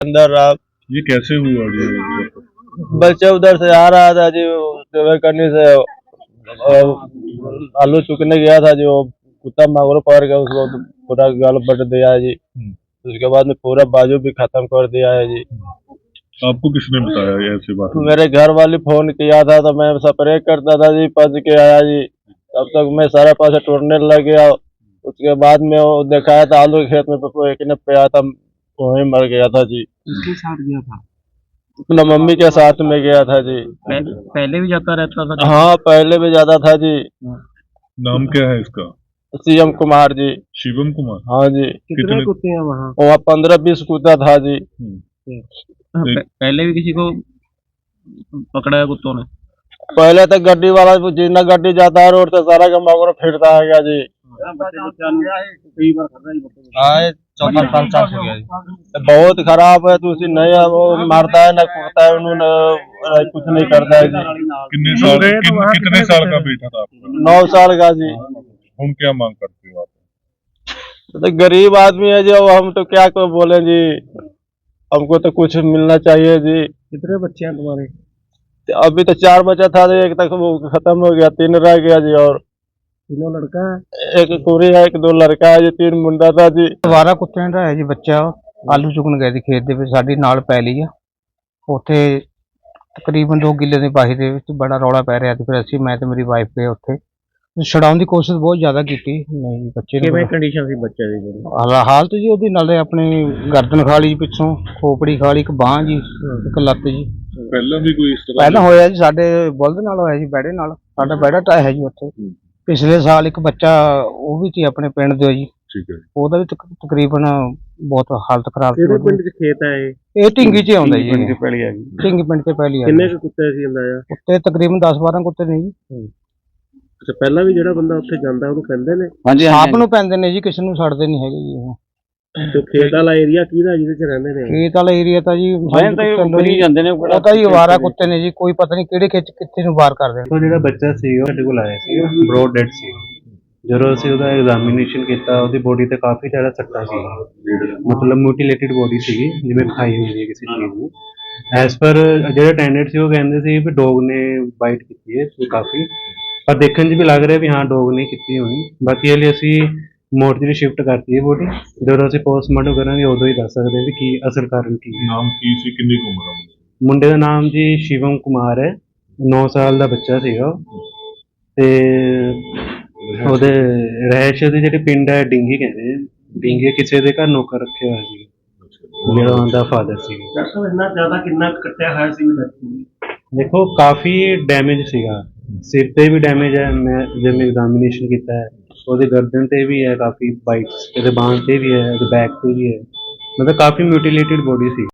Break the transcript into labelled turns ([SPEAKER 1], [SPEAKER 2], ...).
[SPEAKER 1] अंदर रहा।
[SPEAKER 2] ये कैसे हुआ जी?
[SPEAKER 1] बच्चा उधर से आ रहा था जी, सेवा करने से आलू चुकने गया था जी, वो कुत्ता मांगरो पकड़ गया, उसको तो पूरा गाल बट दिया है जी। उसके बाद में पूरा बाजू भी खत्म कर दिया है जी।
[SPEAKER 2] आपको किसने बताया ये ऐसी बात?
[SPEAKER 1] मेरे घर वाले फोन किया था तो मैं स्प्रे करता था जी, पच के आया जी। तब तक मैं सारा पासा टूटने लग गया। उसके बाद में वो दिखाया था आलू के खेत में, तो एक ने पे आया था, वहीं मर गया था जी।
[SPEAKER 3] किसके साथ गया था?
[SPEAKER 1] अपना मम्मी के साथ में गया था जी।
[SPEAKER 3] पहले भी जाता रहता था?
[SPEAKER 1] हाँ, पहले भी ज्यादा था जी।
[SPEAKER 2] नाम क्या है इसका?
[SPEAKER 1] सीएम कुमार जी।
[SPEAKER 2] शिवम कुमार?
[SPEAKER 1] हाँ जी।
[SPEAKER 3] कितने कुत्ते हैं वहाँ?
[SPEAKER 1] वहाँ 15-20 कुत्ता था जी।
[SPEAKER 3] पहले भी किसी को पकड़ा है कुत्तों ने?
[SPEAKER 1] पहले तो गड्डी वाला जितना गड्डी जाता है रोड से सारा का मगरो फिरता है क्या जी। हाँ, 4 साल हो गया जी। बहुत खराब है, तो उसी नहीं है, वो मारता है ना कुटता है, उन्होंने कुछ नहीं करता है जी।
[SPEAKER 2] कितने साल का बेटा था आपका?
[SPEAKER 1] 9 साल का जी।
[SPEAKER 2] हम क्या मांग करते हो आप?
[SPEAKER 1] तो गरीब आदमी है जी, हम तो क्या को बोले जी, हमको तो कुछ मिलना चाहिए जी।
[SPEAKER 3] कितने बच्चे हैं तुम्हारे?
[SPEAKER 1] अभी तो 4 बच्चा था जी, एक तक वो खत्म हो गया, 3 रह गया जी। और
[SPEAKER 3] तीनों लड़का है?
[SPEAKER 1] एक कुड़ी है, एक 2 लड़का है जी, 3 मुंडा था जी।
[SPEAKER 4] 12 ਕੁੱਤਿਆਂ ਦਾ ਹੈ ਜੀ ਬੱਚਾ। ਆਲੂ ਚੁਗਣ ਗਏ ਸੀ ਖੇਤ ਦੇ ਵਿੱਚ, ਸਾਡੀ ਨਾਲ ਪੈਲੀ ਆ ਉੱਥੇ ਤਕਰੀਬਨ 2 ਕਿੱਲੇ ਦੀ ਬਾਹੀ ਦੇ ਵਿੱਚ ਬੜਾ ਰੌਲਾ ਪੈ ਰਿਹਾ ਸੀ। ਫਿਰ ਅਸੀਂ, ਮੈਂ ਤੇ ਮੇਰੀ ਵਾਈਫ ਗਏ ਉੱਥੇ, ਛਡਾਉਣ ਦੀ ਕੋਸ਼ਿਸ਼ ਬਹੁਤ ਜ਼ਿਆਦਾ ਕੀਤੀ। ਨਹੀਂ ਬੱਚੇ
[SPEAKER 3] ਕਿਵੇਂ
[SPEAKER 4] ਨੂੰ
[SPEAKER 3] ਕੰਡੀਸ਼ਨ ਸੀ ਬੱਚੇ ਦੀ ਜਿਹੜੀ?
[SPEAKER 4] ਹਾਲਤ ਜੀ ਉਹਦੀ ਨਾਲੇ ਆਪਣੀ ਗਰਦਨ ਖਾ ਲਈ ਪਿੱਛੋਂ, ਖੋਪੜੀ ਖਾ ਲਈ, ਇੱਕ ਬਾਂਹ ਜੀ, ਇੱਕ ਲੱਤ ਜੀ।
[SPEAKER 2] ਪਹਿਲਾਂ ਵੀ ਕੋਈ ਇਸ ਤਰ੍ਹਾਂ
[SPEAKER 4] ਪਹਿਲਾਂ ਹੋਇਆ ਜੀ, ਸਾਡੇ ਬੁਲਦ ਨਾਲ ਹੋਇਆ ਜੀ, ਬੈੜੇ ਨਾਲ। ਸਾਡਾ ਬੈੜਾ ਤਾਂ ਹੈ ਜੀ ਉੱਥੇ। ਪਿਛਲੇ ਸਾਲ ਇੱਕ ਬੱਚਾ ਉਹ ਵੀ ਸੀ ਆਪਣੇ ਪਿੰਡ ਦੇ ਜੀ,
[SPEAKER 2] ਠੀਕ ਹੈ।
[SPEAKER 4] ਉਹਦਾ ਵੀ ਤਕਰੀਬਨ ਬਹੁਤ ਹਾਲਤ ਖਰਾਬ ਸੀ।
[SPEAKER 3] ਕਿਹੜੇ ਪਿੰਡ 'ਚ ਖੇਤ ਹੈ ਇਹ?
[SPEAKER 4] ਇਹ ਢਿੰਗੀ 'ਚ ਆਉਂਦਾ ਜੀ,
[SPEAKER 3] ਪਿੰਡ 'ਚ ਪੈਲੀ ਆ ਗਈ।
[SPEAKER 4] ਢਿੰਗੀ ਪਿੰਡ ਤੇ ਪਹਿਲੀ ਆ।
[SPEAKER 3] ਕਿੰਨੇ ਕੁ ਕੁੱਤੇ ਸੀ ਅੰਦਾਜ਼ਾ?
[SPEAKER 4] ਉੱਤੇ ਤਕਰੀਬਨ 10-12 ਕੁੱਤੇ ਨੇ ਜੀ।
[SPEAKER 3] ਅੱਛਾ, ਪਹਿਲਾਂ ਵੀ ਜਿਹੜਾ ਬੰਦਾ ਉੱਥੇ ਜਾਂਦਾ ਉਹਨੂੰ ਕਹਿੰਦੇ ਨੇ?
[SPEAKER 4] ਆਪ ਨੂੰ ਪੈਂਦੇ ਨੇ ਜੀ, ਕਿਸੇ ਨੂੰ ਛੱਡਦੇ ਨਹੀਂ ਹੈਗੇ ਜੀ ਉਹ।
[SPEAKER 3] ਤੇ ਖੇਤ ਵਾਲਾ ਏਰੀਆ ਕਿਹਦਾ ਜਿਹਦੇ 'ਚ ਰਹਿੰਦੇ ਨੇ?
[SPEAKER 4] ਖੇਤ ਵਾਲਾ ਏਰੀਆ ਤਾਂ ਜੀ ਜਾਂਦੇ ਨੇ, ਉਹ ਤਾਂ ਜੀ ਅਵਾਰਾ ਕੁੱਤੇ ਨੇ ਜੀ, ਕੋਈ ਪਤਾ ਨਹੀਂ ਕਿਹੜੇ ਖੇਤ 'ਚ ਕਿੱਥੇ ਨੂੰ ਵਾਰ ਕਰਦੇ ਨੇ।
[SPEAKER 5] ਉਹ ਜਿਹੜਾ ਬੱਚਾ ਸੀ ਉਹ ਸਾਡੇ ਕੋਲ ਆਇਆ ਸੀ, ਬ੍ਰੌਡ ਡੈਡ ਸੀ। ਜਦੋਂ ਅਸੀਂ ਉਹਦਾ ਐਗਜ਼ਾਮੀਨੇਸ਼ਨ ਕੀਤਾ, ਉਹਦੀ ਬੋਡੀ ਤੇ ਕਾਫੀ ਜ਼ਿਆਦਾ ਸੱਟਾਂ ਸੀ, ਮਤਲਬ ਮਿਊਟੀਲੇਟਿਡ ਬੋਡੀ ਸੀਗੀ, ਜਿਵੇਂ ਖਾਈ ਹੋਈ ਹੈ ਕਿਸੇ ਚੀਜ਼ ਨੂੰ। ਐਸ ਪਰ ਜਿਹੜੇ ਅਟੈਂਡੈਂਟ ਸੀ ਉਹ ਕਹਿੰਦੇ ਸੀ ਵੀ ਡੋਗ ਨੇ ਬਾਈਟ ਕੀਤੀ ਹੈ ਕਾਫੀ, ਪਰ ਦੇਖਣ 'ਚ ਵੀ ਲੱਗ ਰਿਹਾ ਵੀ ਹਾਂ ਡੋਗ ਨੇ ਕੀਤੀ ਹੋਣੀ। ਬਾਕੀ ਇਹ ਲਈ ਅਸੀਂ ਮੋਰਚਰੀ ਸ਼ਿਫਟ ਕਰਤੀ ਹੈ ਬੋਡੀ, ਜਦੋਂ ਅਸੀਂ ਪੋਸਟਮਾਰਟਮ ਕਰਾਂਗੇ ਉਦੋਂ ਹੀ ਦੱਸ ਸਕਦੇ ਹਾਂ ਵੀ ਕੀ ਅਸਲ ਕਾਰਨ ਕੀ ਹੈ।
[SPEAKER 2] ਨਾਮ ਕੀ ਸੀ, ਕਿੰਨੀ ਕੁ ਉਮਰ ਹੈ?
[SPEAKER 5] ਮੁੰਡੇ ਦਾ ਨਾਮ ਜੀ ਸ਼ਿਵਮ ਕੁਮਾਰ ਹੈ, 9 ਸਾਲ ਦਾ ਬੱਚਾ ਸੀਗਾ ਉਹ। ਤੇ ਉਹਦੇ ਰਹਿਸ਼ ਦੇ ਜਿਹੜੇ ਪਿੰਡ ਹੈ ਡਿੰਗੀ ਕਹਿੰਦੇ, ਡਿੰਗੀ ਕਿਸੇ ਦੇ ਘਰ ਨੌਕਰ ਰੱਖਿਆ ਹੋਇਆ ਸੀ, ਜਿਹੜਾ ਉਹਦਾ ਫਾਦਰ ਸੀ।
[SPEAKER 3] ਇੰਨਾ ਜ਼ਿਆਦਾ ਕਿੰਨਾ ਕੱਟਿਆ ਹੋਇਆ ਸੀ?
[SPEAKER 5] ਦੇਖੋ ਕਾਫੀ ਡੈਮੇਜ ਸੀਗਾ, ਸਿਰ ਤੇ ਵੀ ਡੈਮੇਜ ਹੈ, ਮੈਂ ਜਿਵੇਂ ਐਗਜ਼ਾਮੀਨੇਸ਼ਨ ਕੀਤਾ ਹੈ ਉਹਦੇ ਗਰਦਨ ਤੇ ਵੀ ਹੈ ਕਾਫੀ ਬਾਈਟਸ, ਇਹਦੇ ਬਾਂਹ ਤੇ ਵੀ ਹੈ, ਇਹਦੇ ਬੈਕ ਤੇ ਵੀ ਹੈ, ਮਤਲਬ ਕਾਫੀ ਮਿਊਟੀਲੇਟਿਡ ਬੋਡੀ ਸੀ।